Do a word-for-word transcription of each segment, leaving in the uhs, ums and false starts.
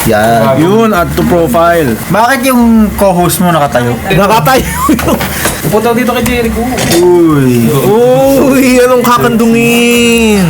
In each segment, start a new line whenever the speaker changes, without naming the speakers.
Yan.
Yun, add to profile.
Bakit yung co-host mo nakatayo?
Nakatayo.
Pupunta dito kay Jericho.
Uy.
Uy, anong kakandungin?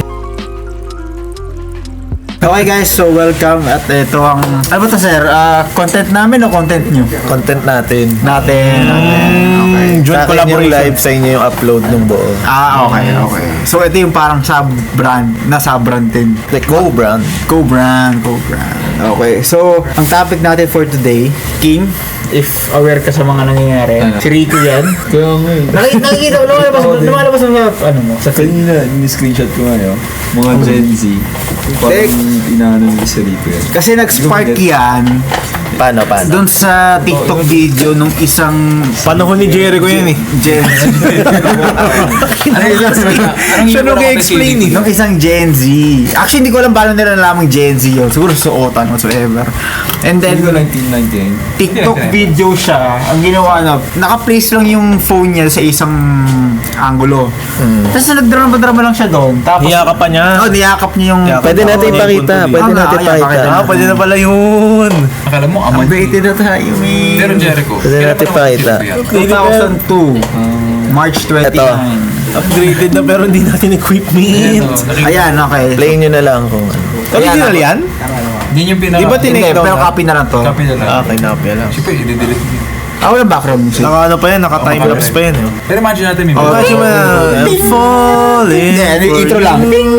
Okay guys, so welcome at ito ang... Ano ba ito sir? Ah, content namin o content nyo?
Content natin.
Natin. natin. Okay.
Mm, joint
Sa akin yung
collaboration.
live, sa inyo yung upload ng buo.
Ah, okay, okay. So ito yung parang sub-brand, na sub-brand din.
Like, go brand.
Co-brand, co-brand. Okay, so ang topic natin for today, King, if aware ka sa mga nangyayari, si Rico yan.
Kaya nga eh.
Nakik- nakikita mo, lumalabas, lumalabas mo sa, ano mo, sa feed.
Kanina, ni-screenshot ko nga yun. Mga Gen Z. Parang inaano ni Rico yan.
Kasi nag-spark yan
Paano, paano?
doon sa TikTok video nung isang
Panahon ni Jericho yan eh.
Gen Z.
Siya nung i-explain eh.
Nung isang Gen Z. Actually, hindi ko alam paano nila nalamang Gen Z yun. Siguro suotan whatsoever. And then,
Hindi ko nineteen ninety-nine.
TikTok video siya. Ang ginawa na, naka-place lang yung phone niya sa isang angulo. Tapos nagdrama-drama lang siya doon. Tapos,
Niyakap pa niya.
oh, niyakap niya yung...
Niyakap.
Pwede natin
Oo,
ipakita.
yung
Pwede
punto
natin
dito. Ah,
ipakita.
pakita
Ah, pwede na pala yun.
Akala mo, aman.
Updated na tayo, man.
Pero Jericho.
Pwede natin ipakita.
two thousand two. March twenty-nine.
Upgraded na pero hindi natin equipment.
Ayan, okay.
Play nyo na lang kung ano.
Original yan?
Yan yung pinaka...
Di ba
Hindi,
tinake down
pero
na?
copy na lang to.
Copy na lang.
Ah, okay, napya lang.
Siyempre, i-delete mo.
Ah, walang background music.
Naka ano pa yan, naka timelapse pa yan. eh.
Pero imagine natin, may
Oh,
mga...
Imagine mo na, I'm falling
Hindi, ano,
for
intro
you.
lang.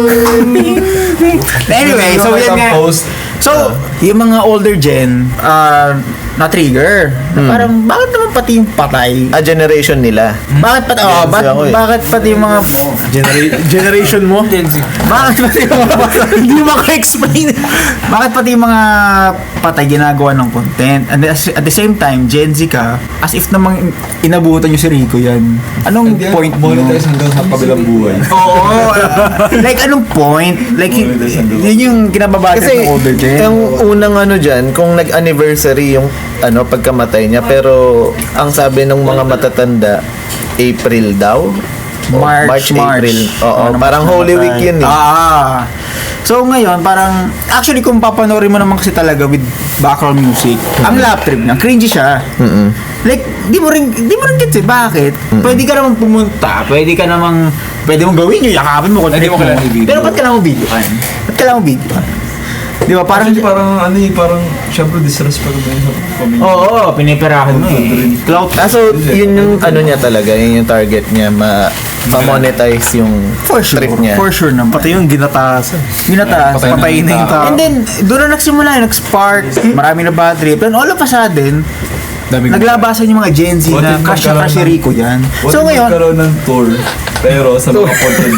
Anyway, so yan nga.
Post.
So, yung mga older gen, uh, na-trigger. Na Parang, bakit naman pati yung patay?
Ah, generation nila.
Bakit pati, oh,
Gen Z
bakit,
ako eh.
bakit pati yung mga,
Genera- generation mo?
bakit pati yung mga patay?
Hindi mo maka-explain.
Bakit pati yung mga patay ginagawa ng content? And at at the same time, Gen Z ka, as if namang inabutan nyo si Rico yan. Anong point mo?
Monetize hanggang sa kabilang buhay.
Oo. like, anong point? Like, y- yun yung kinababasa
Kasi,
ng older gen.
yung unang ano dyan, kung nag-anniversary yung ano, pagkamatay niya, pero ang sabi ng mga matatanda, April daw? O,
March, March.
April. Oo,
Ano,
parang
March
Holy
namatay.
Week yun eh.
Ah. So ngayon, parang, actually kung papanoorin mo naman kasi talaga with background music, ang lap trip niya, cringy siya.
Mm-mm.
Like, di mo rin, di mo rin gets eh, bakit? Pwede ka namang pumunta, pwede ka namang, pwede mong gawin yun, yakapin mo,
Pwede mo kailangan i-video.
Pero ba't kailangan mo video kan? Ba't kailangan mo video kan? Di ba, parang,
Parang, parang ano eh, parang, syempre, disrespect mo yun sa pamilya.
oo, oh, piniperahan mo eh. Clout.
Ah, so, yun yung ano niya talaga, yun yung target niya, ma ma-monetize yung
For sure,
trip niya.
for sure naman.
Pati yung ginatasan.
Ginataas.
Patay na
Patay na yung tao.
And then, doon na nagsimula, nag-spark, marami na bad trip. And all of a sudden,
Dami ko-
naglabasan yung mga Gen Z
What
na
if
crush na
magkaroon
crush si
ng-
Rico yan.
What
So
if
ngayon,
magkaroon ng tour, pero sa mga content.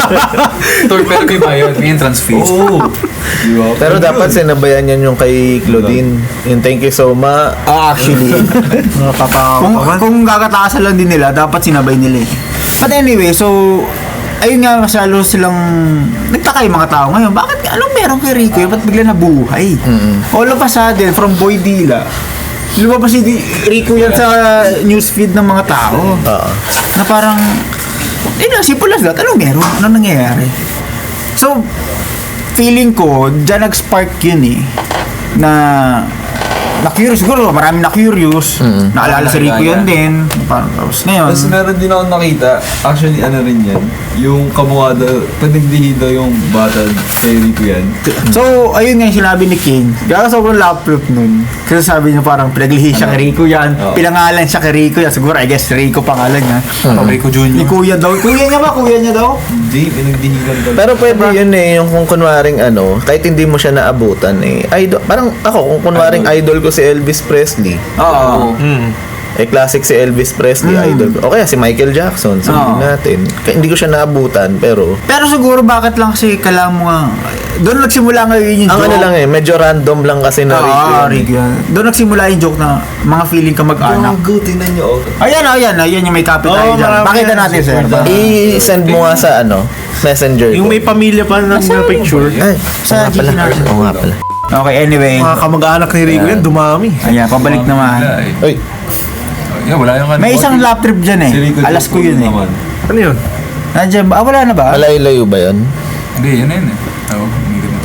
Tour pero may bayad, may entrance fees.
Oo. Di ba?
Pero dapat sinabayan yan yung kay Claudine. Yung thank you so much.
ah, actually,
Nakakatawa
kung,
pa man.
kung gagatasan lang din nila, dapat sinabay nila eh. But anyway, so, ayun nga, mas lalo silang, nagtaka yung mga tao ngayon, bakit, anong meron kay Rico yun? Ba't bigla nabuhay? All of a sudden, from Boy Dila, lumabas si Di- Rico yan sa newsfeed ng mga tao.
Oo.
Na parang, eh na, simple as that. Anong meron? Anong nangyayari? So, feeling ko, dyan nag-spark yun eh. Na, na-curious. Siguro, marami na-curious. Naalala si Rico yun din. Parang, tapos ngayon.
Tapos meron din ako nakita, actually ano rin yan, yung kamukha daw, panigdihin daw yung bata kay Rico yan.
So, ayun nga yung sinabi ni King. Kaya sobrang laptop nun. Kasi sabi niya parang pinaglihi siya kay Rico yan.
Oo.
Pinangalan siya kay Rico yan. Siguro, I guess Rico pangalan niya.
Rico
Ni
Junior
Kuya daw. Kuya niya ba? Kuya niya daw?
Hindi, pinagdihigan daw.
Pero pwede yun eh, yung kung kunwaring ano, kahit hindi mo siya naabutan eh. Idol, parang ako, kung kunwaring idol ko si Elvis Presley,
Oo.
Hmm.
eh classic si Elvis Presley,
Mm.
idol ko. O kaya si Michael Jackson, sabihin
Oo.
natin. Kaya hindi ko siya naabutan, pero
Pero siguro bakit lang kasi kailangan mo nga, doon nagsimula ngayon yung
ang
joke.
ano lang eh, medyo random lang kasi na Rico
Ah,
yun.
Rico yan. Doon nagsimula yung joke na mga feeling ka mag-anak.
Gago, tingnan nyo. oh.
Ayan, ayan, ayan yung may copy tayo
Oo,
dyan.
marami
Pakita
yan.
natin, sir.
I-send mo nga sa ano, messenger
Yung
ko.
may pamilya pa na, na picture.
Ay,
Sa
oo nga pala.
G C natin.
Oo nga pala.
Okay, anyway.
Mga kamag-anak ni Rico yan, dumami.
Ayan, pabalik naman.
Wala eh.
Uy,
Yeah, wala yung ano.
May isang lap trip dyan eh.
Si Rico
Alas ko yun eh.
naman.
Ano yun?
Nandiyan ba? Ah, wala na ba?
malayo-layo ba yun?
Hindi, yun na yun eh. Oo, umikot na tayo.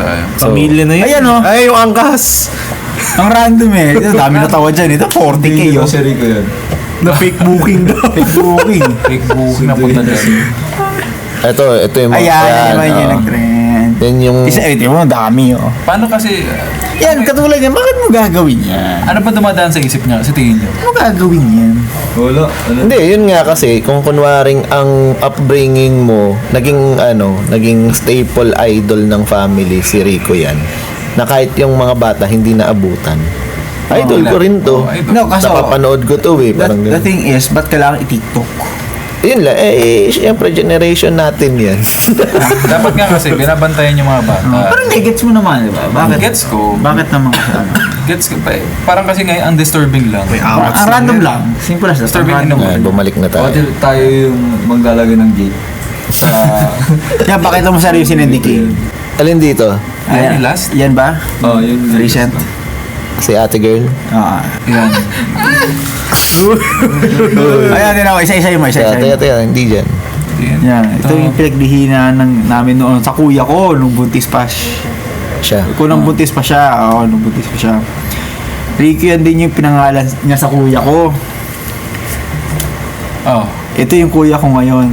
tayo.
Pamilya na yun.
Ayan, oh.
Ay, yung angkas.
Ang random eh. Ito, dami na tawa dyan. Ito, forty K
Hindi
oh.
ko si Rico yan.
Na fake booking daw.
Fake booking.
Fake booking na punta dyan.
Ito, ito yung mga
Ayan,
yan,
yan, yan, yung
oo.
nag-trend.
Yan yung
Isa, ito mo, dami oh.
Paano kasi,
Yan, katulad yan. Bakit mo gagawin yan?
ano ba dumadaan sa isip niya? Sa tingin niyo?
Ano mo gagawin yan?
Wala. Ano?
Hindi, yun nga kasi kung kunwaring ang upbringing mo naging ano, naging staple idol ng family si Rico yan. Na kahit yung mga bata hindi naabutan. Idol ko rin to.
Oh, idol.
No, kasi
Napapanood ko to eh.
That,
Parang
the
ganun.
thing is, ba't kailangan i-tiktok?
Yun lang. Eh, eh syempre generation natin yan.
Dapat nga kasi, binabantayan yung mga bata.
Parang gets mo naman, di ba? Bakit?
Gets ko.
Bakit naman kasi ano?
Gets ko pa eh. Parang kasi ngayon, ang disturbing lang.
Ang ang random lang. Simple as that.
Disturbing
Ang
in a
random.
way.
Ayan, bumalik na tayo.
Pati tayo yung maglalagay ng gate. Sa...
Yan, pakita mo seryosin ng decay.
Alin dito?
Yan yung last?
Yan ba?
Oh, yun.
Recent?
Si ate girl?
Oo.
Yan.
Ayan, din ako. Isa-isa mo, isa-isa
Teka,
mo.
teka, hindi dyan.
Yan.
Yan. Ito yung pinagdihinan ng, namin noon sa kuya ko nung buntis pa. siya.
Siya.
Kung nung buntis pa siya. Oo, nung buntis pa siya. Rico yan din yung pinangalan niya sa kuya ko.
Oh.
Ito yung kuya ko ngayon.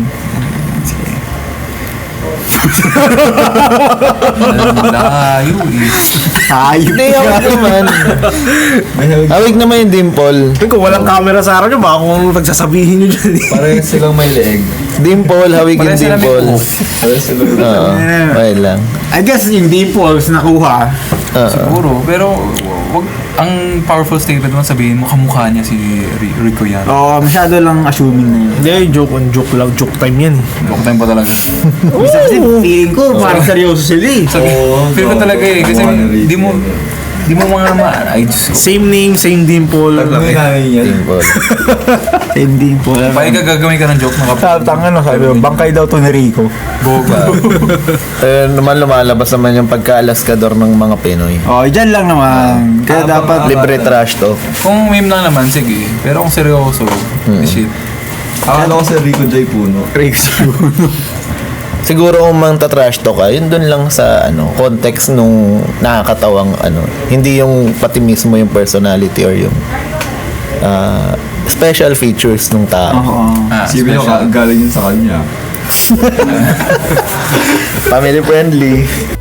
Layo eh.
Hayop
Hindi, hawig naman.
May hawig.
Hawig naman yung dimple.
Kung walang camera sa araw nyo, baka kung nagsasabihin nyo dyan eh.
Parehas silang may leeg.
Dimple, hawig yung
Parehas sila may
dimple.
buhok.
Parehas silang
Oo, okay lang.
I guess yung dimples nakuha.
Oo.
Siguro. Pero, wag, ang powerful statement mo sabihin mo, kamukha niya si Ri- Rico yan.
Oo, masyado lang assuming na yun.
Hindi, joke on joke lang. Joke time yan eh.
Joke time pa talaga.
Bisa kasi feeling ko parang seryoso sila eh.
Sabi,
Oo,
feel ko
oo,
talaga eh. Kasi
kamukha ni Rico
di mo,
yan eh.
di mo mga ma... Ay, Diyos ko.
Same name, same dimple.
Ano yung nanay yan?
Dimple.
Same dimple.
Bakit ka gagawin ka ng joke na kapag...
Tanga no, sabi mo, bangkay daw to ni Rico.
Eh, naman lumalabas naman yung pagka-alaskador ng mga Pinoy.
Oh, dyan lang naman. Kaya
Ah,
dapat
baka-
Libre trash to.
Kung meme lang naman, sige. Pero kung seryoso, shit.
Akala ko si Rico J. Puno.
Siguro kung mang trash to ka, yun dun lang sa ano, context nung nakakatawang ano, hindi yung pati mismo yung personality or yung ah, special features ng tao.
Oo.
Ah,
Sabi nyo,
special.
galing yun sa kanya.
Family friendly.